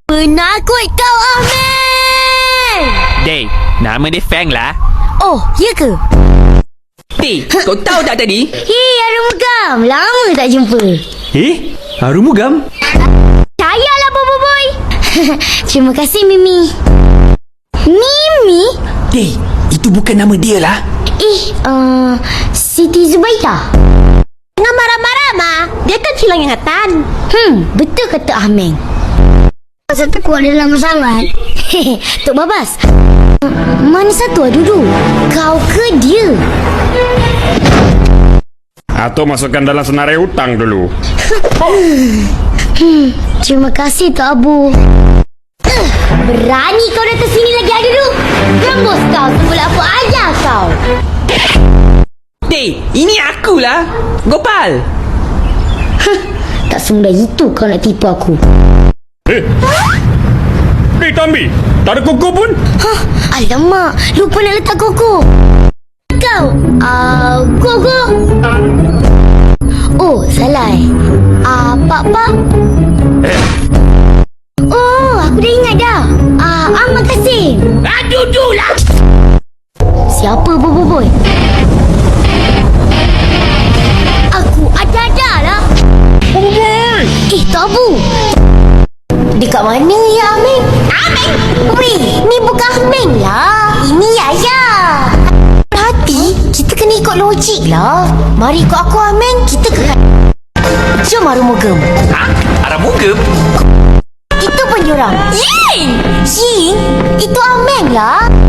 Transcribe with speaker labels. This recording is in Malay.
Speaker 1: Penakut kau, Ahmed!
Speaker 2: Day, nama dia Fang lah.
Speaker 1: Oh, ya ke?
Speaker 2: Day, kau tahu tak tadi?
Speaker 1: Hei, Arumugam. Lama tak jumpa.
Speaker 2: Arumugam?
Speaker 1: Cayalah, Boboiboy. Terima kasih, Mimi. Mimi?
Speaker 2: Day, itu bukan nama dia lah.
Speaker 1: Siti Zubaida.
Speaker 3: Jangan marah-marah, Ma. Dia kan hilang ingatan.
Speaker 1: Betul kata Ahmed.
Speaker 3: Pasal kuat dalam sangat.
Speaker 1: Tok Babas, mana satu duduk? Kau ke dia?
Speaker 4: Atau masukkan dalam senarai hutang dulu.
Speaker 1: Terima kasih Tok Abu. Berani kau datang sini lagi duduk? Rembus kau semula apa ajar kau.
Speaker 2: Day, ini aku lah. Gopal.
Speaker 1: Tak semudah itu kau nak tipu aku.
Speaker 4: Tambi, tak ada kuku pun.
Speaker 1: Alamak, lupa nak letak koko. Kau, koko. Oh, salah. Pak. Oh, aku dah ingat dah. Makasih.
Speaker 2: Duduklah.
Speaker 1: Siapa Boboiboy? Aku ada lah.
Speaker 4: Boboiboy!
Speaker 1: Tok Abu. Dekat mana ya Aming? Aming! Weh, ni bukan Aming lah. Ini Yaya. Hati, kita kena ikut logik lah. Mari ikut aku Aming, kita ke... Jom Arumugam.
Speaker 2: Arumugam?
Speaker 1: Itu pun diorang. Ying! Itu Aming lah.